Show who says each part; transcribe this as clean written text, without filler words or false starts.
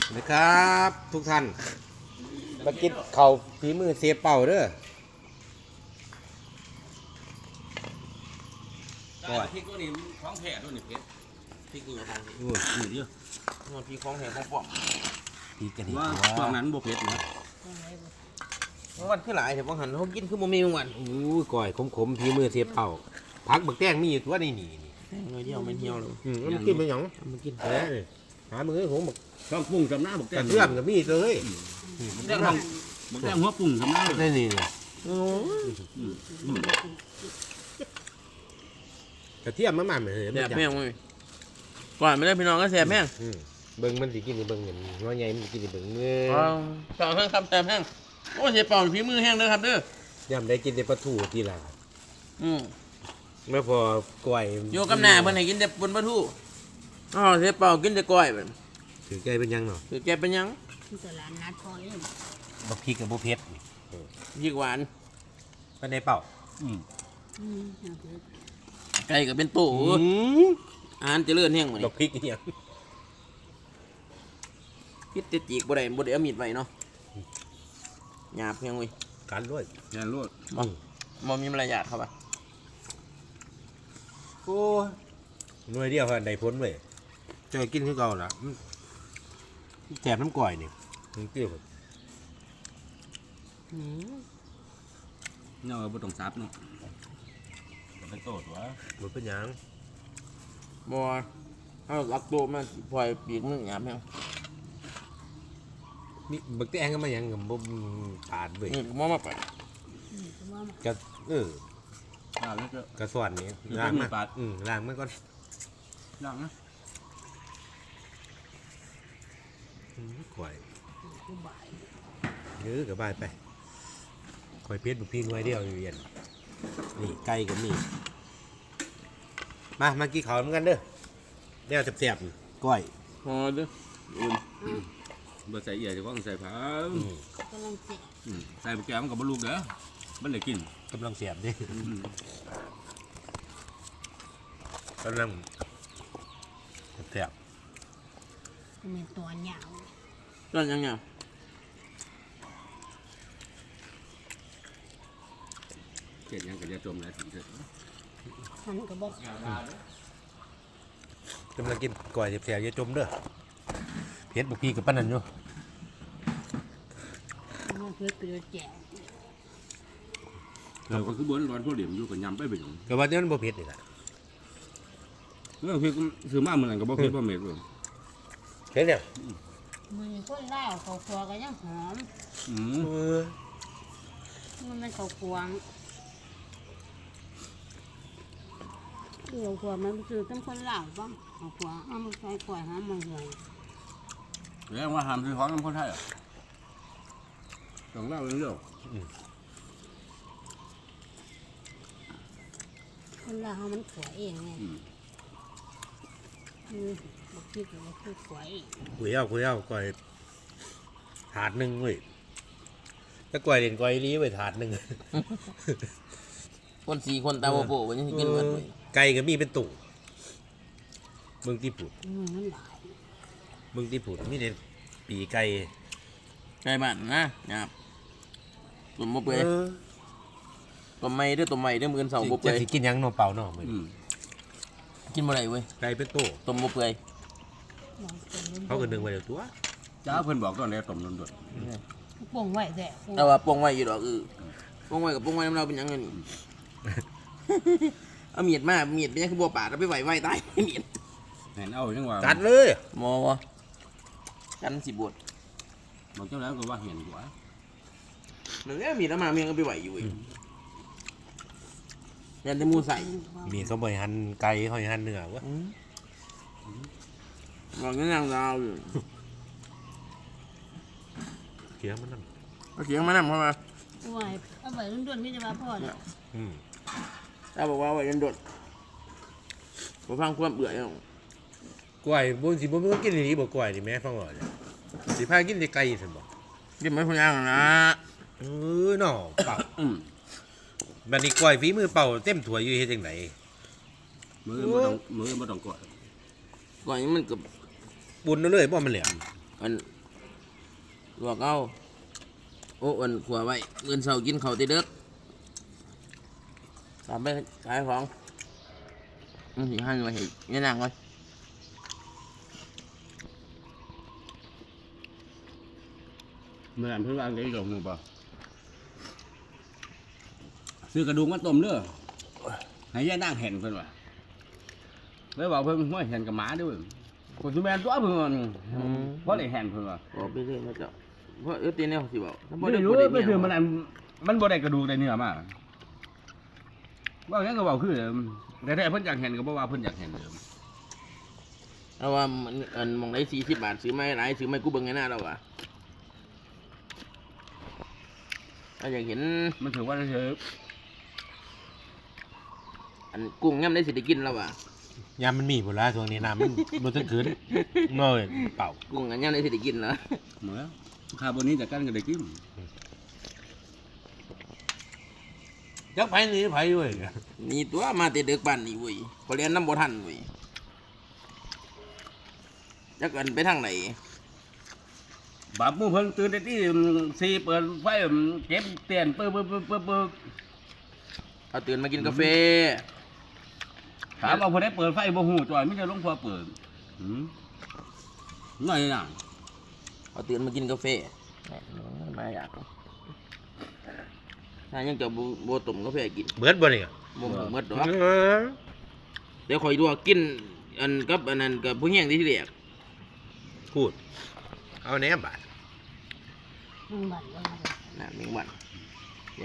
Speaker 1: นะครับทุกท่านมากินข้าวฝีมือเสียเป่าเด้อ
Speaker 2: ก้อยพริกตัวนี้ของแท้ตัวนี้เพชรพริกนี่ของนี่เยอะมันพริกของแท้ของปลอม
Speaker 1: พีกันดี
Speaker 2: ว่าช่วงนั้นบ่เพชรนะวันคือหลายแต่บางหันเขากินคือบ่มีวัน
Speaker 1: อู้ก้อยขมๆฝีมือเสียเป่าพักบักแตงมีอยู่ตัวนี่นี่
Speaker 2: หน่อยเดียวไม่เหี่ยวเลย
Speaker 1: มันกินไปหยัง
Speaker 2: มันกิน
Speaker 1: แหมหามือผมบัก
Speaker 2: ต้องปรุงจำหน้าบอก
Speaker 1: ก
Speaker 2: แต่
Speaker 1: ระเทียมกับมีเลย
Speaker 2: แต่ต้องบอกแต่หัวปรุงจำหน้าเลย
Speaker 1: นี่กระเทียมมันเลย
Speaker 2: แซ่บแม่งเลยก่อนไม่ได้พี่น้องก็แซ่บแม่ง
Speaker 1: เบิ่งมันสิกินเบิ่งอย่างน้อยใหญ่มันกินเบิ่งเงย
Speaker 2: ต่อแห้งครับแซ่บแห้งโอ้เสียเป่าฝีมือแห้งเด้อครับเด้อย่
Speaker 1: ำได้กินแต่ปลาทูทีละไม่พอก้อย
Speaker 2: อยู่กับหน้าเพิ่นให้กินแต่บนปลาทูอ๋อเสียเป่ากินแต่ก้อยเพิ่น
Speaker 1: ถือไก่เป็นยังเนาะ
Speaker 2: คือแกเป็นยัง
Speaker 3: ตลาดนัดพอเอง
Speaker 1: บักพริกกับบักเผ็ด
Speaker 2: ยิ่งหวาน
Speaker 1: ไปในเป่า
Speaker 2: ไก่ก็เป็นตู้อาหารเจริญแห้งหมด
Speaker 1: บักพริกเนี่ย
Speaker 2: พิษติจีกบ่ได้เอามีดไว้เนาะหยาบเพียงเว้ย
Speaker 1: การด้วย
Speaker 2: อย่าลวดบ่มีมารยาทครับอ่ะ
Speaker 1: โอ้หน่วยเดียวค่ะได้พ้นเว้ยเจอกินคือเก่าละแสบน้ำก่อยนี่มันเกี่ยว
Speaker 2: เนาะบ่ต้องซับเนาะไปโตดวะ
Speaker 1: มันเป็นยัง
Speaker 2: บ่เอาหลักตัวมาปล่อยปีกมึงหยาบแห้ง
Speaker 1: นี่บักแตงก็มายังกับบ่ผ่านเว้ย
Speaker 2: นี่บ่มาไป
Speaker 1: กระ
Speaker 2: แล้วก็
Speaker 1: กระสวนนี่ล้างมาล้างมันก่อน
Speaker 2: ล้างนะ
Speaker 1: ก่อยกับบายไปก่อยเพชรบุพิงไว้เดียวอยู่เย็นนี่ไก่กับนี่มากินข้าวเหมือนกันเด้อเดี๋ยวแสบๆก้อย
Speaker 2: พอเด้ออุ่นบ่ใส่เอียจะก็ใส่ผัก
Speaker 3: กำลังเจ็บ
Speaker 2: ใส่แกมันก็บ่ลูกเด้อมันได้กิน
Speaker 1: กำลังเสียบดิกำลังแสบ
Speaker 3: มีตัวเหยาว
Speaker 2: ต้นยังไง เจ็ดยังก็จะจมแล้วถึงเถิด
Speaker 3: มันก็บอก
Speaker 1: กำลังกินก้อยแสบๆอย่าจมเด้อเพชรบุพีกับป้านันอยู่
Speaker 3: มันเพื่อเปลือกแจ๋ว
Speaker 2: เราก็คือบนร้อนพวกเหลี่ยมอยู่กับยำไปเป็น
Speaker 1: แต่ว่าเนี่ยมันบ่เผ็ดนี่แหละ
Speaker 2: เรื่องพี่ซื้อมาเหมือนกันกับบ่เผ็ดบ่เม็ดเลย
Speaker 1: เผ็ดเนี่ย
Speaker 3: มือคนเล่าเขาครัวก็ยังหอมมันเป็นเขาควงเขาควงมันคือต้องคนเล่าบ้างเขาควงเอามันใส่กล้วยหามันเลย
Speaker 2: เรื่องว่าหามซื้อของน้ำคนไทยอ่ะต้องเล่าเรื่อง
Speaker 3: คนเล่ามันขวเองไงบอกพี่ก็บอกคือขวเอง
Speaker 1: คุยเอาก้อยถาดหนึ่งเว้ยถ้าก้อยเด่นก้อยรีไว้ถาดหนึ่ง
Speaker 2: คนสี่คนตาโบโบวันนี้กินเหมือนเลย
Speaker 1: ไก่ก็มีเป็นตุ่เมืองที่ผุด
Speaker 3: มันหลาย
Speaker 1: เมืองที่ผุดมีเด่นปีไก่
Speaker 2: ไก่บ้านนะหยาบตุ่มโบเปื่อยตุ่มไม่เด้อตุ่มไม่เด้อมือเสาโบเปื่
Speaker 1: จะ
Speaker 2: อย
Speaker 1: สิกินหยังโนเปล่าเนาะมื้อ
Speaker 2: กินบ่ได้เว้ย
Speaker 1: ไก่เป็นตุ่
Speaker 2: ตุ่มโบเปื่อย
Speaker 1: เขาก็นึงไว้เดี๋ยวตัว
Speaker 2: จ้าเพิ่นบอกตอนนี้ตุ่มนวล
Speaker 3: ป่งไว้แต่
Speaker 2: แต่ว่าปงไว้อยู่ดอกปงไว้กับปงไว้น้ำเราเป็นยังไงนี่ เอาเมียดมาเมียดเป็นยังคือบัวป่าเราไปไหวตายเมียด
Speaker 4: เห็นเอาจังว่า
Speaker 1: กัดเลย
Speaker 2: มอวะกันสิบวช
Speaker 4: บอกเจ้าแล้วก็ว่าเห็นกว่า
Speaker 2: หนึ่งเมียดแล้วมาเมียก็ไปไหวอยู่เองยันได้มูใส่
Speaker 1: มีเขาบ่อยหั่นไก่เขาให้หั่นเนื้อวะ
Speaker 2: บอกงั้นยังเราอยู่
Speaker 1: เคี้ยวมันนั่น
Speaker 2: เอาเสียงมานั่งเข้ามา
Speaker 3: เอาไว้เอาไว้รุ่นๆนี่จะมาพ่อเนี่ย
Speaker 2: ถ้าบอกว่าไหวยันโดดผมฟังความเบื่อยัง
Speaker 1: กล้วยบ่สิบ่มีคนกินอีหลีบ่กล้วยนี่แม่ฟังว่าเนี่ยสิพากินแต่ไก่ซั่นบ่
Speaker 2: กินไม่พยังนะ
Speaker 1: เนาะเป่าบัดนี้กล้วยฝีมือเป่าเต็มถ้วยอยู่เฮ็ดจังได
Speaker 4: มือบ่ต้องกด
Speaker 2: ก่อนนี้มันกับ
Speaker 1: ปุ่นเอาเลยบ่มันเหลือ
Speaker 2: มันลวกเอาโอ้อันขัวไว้เงินเสากินเขาวตีเด็กตามไปขายของมันสิหันไว้ให้ยันนางไว้
Speaker 4: เมื่ออันเพิ่งวางได้ดอกหนูป่ะซื้อกระดูกมาต้มเด้อให้ยายนั่งเห็นเพิ่นว่ะเลยบอกเพิ่นว่าเห็นกับหมาด้วยคนสุแมนตัวเพิ่นเพราะได้เห็นเพิ่นว่ะ
Speaker 2: บอกไปเรื่อยนะเจ้าเพราะตีเนี่ยสิบอกถ้าบ่
Speaker 4: ไม่
Speaker 2: ได้
Speaker 4: รู้
Speaker 2: บ่ได้
Speaker 4: ไม่คือ
Speaker 2: เมี
Speaker 4: มัน
Speaker 2: ย
Speaker 4: อันมันบ่ได้กระดูกได้เนื้อมาว่าอย่างก็บอกคือแต่เพิ่นอยากเห็นก็บ่ว่าเพิ่นอยากเห็นเดิม
Speaker 2: เอาว่ามันอันมองได้40 บาทซื้อไม่หลายซื้อไม่กูเบิ่งไงหน้าเราอ่ะถ้าอยากเห็น
Speaker 4: มันถือว่าเฉย
Speaker 2: อันกุ้งย่ำได้สิได้กินแล้วอ่ะ
Speaker 1: ยามมันมีผลละช่วงนี้น้ำมันบนต้นขืนเมื่อเป่า
Speaker 2: กุ้งอันย่ำได้สิได้กินแล้ว
Speaker 4: เหมือนคาร์บอนนี้จากกันก็ได้กิน
Speaker 1: จักไผ่นี่ไผ่เว้ย
Speaker 2: นี่ตัวมาแต่เด็กบ้านนี่เว้ยพอเรียนน้ำบ่ทันเว้ยจักอันไปทางไหน
Speaker 4: บาปมูเพิ่นตื่นได้ที่สี่เปิดไฟเก็บเตียนปึ๊บ
Speaker 2: เอาตื่นมากินกาแฟ
Speaker 4: ถามว่าเพิ่นได้เปิดไฟบ่ฮู้จ่อยไม่ใช่หลวงพ่อเปิดน้อยน่ะ
Speaker 2: เอาตื่นมากินกาแฟแหม่มาอยากถ้ายังจะบ่ต้มกาแฟกิน
Speaker 1: เบิดบ่เนี่ย
Speaker 2: บ่หมดดอกเดี๋ยวคอยดูว่ากินอันกับอันนั้นกับผู้แห้งที่เรียก
Speaker 1: พูดเอาแหนบาท
Speaker 3: มึงบัดเลย
Speaker 2: น่ะแมงวัน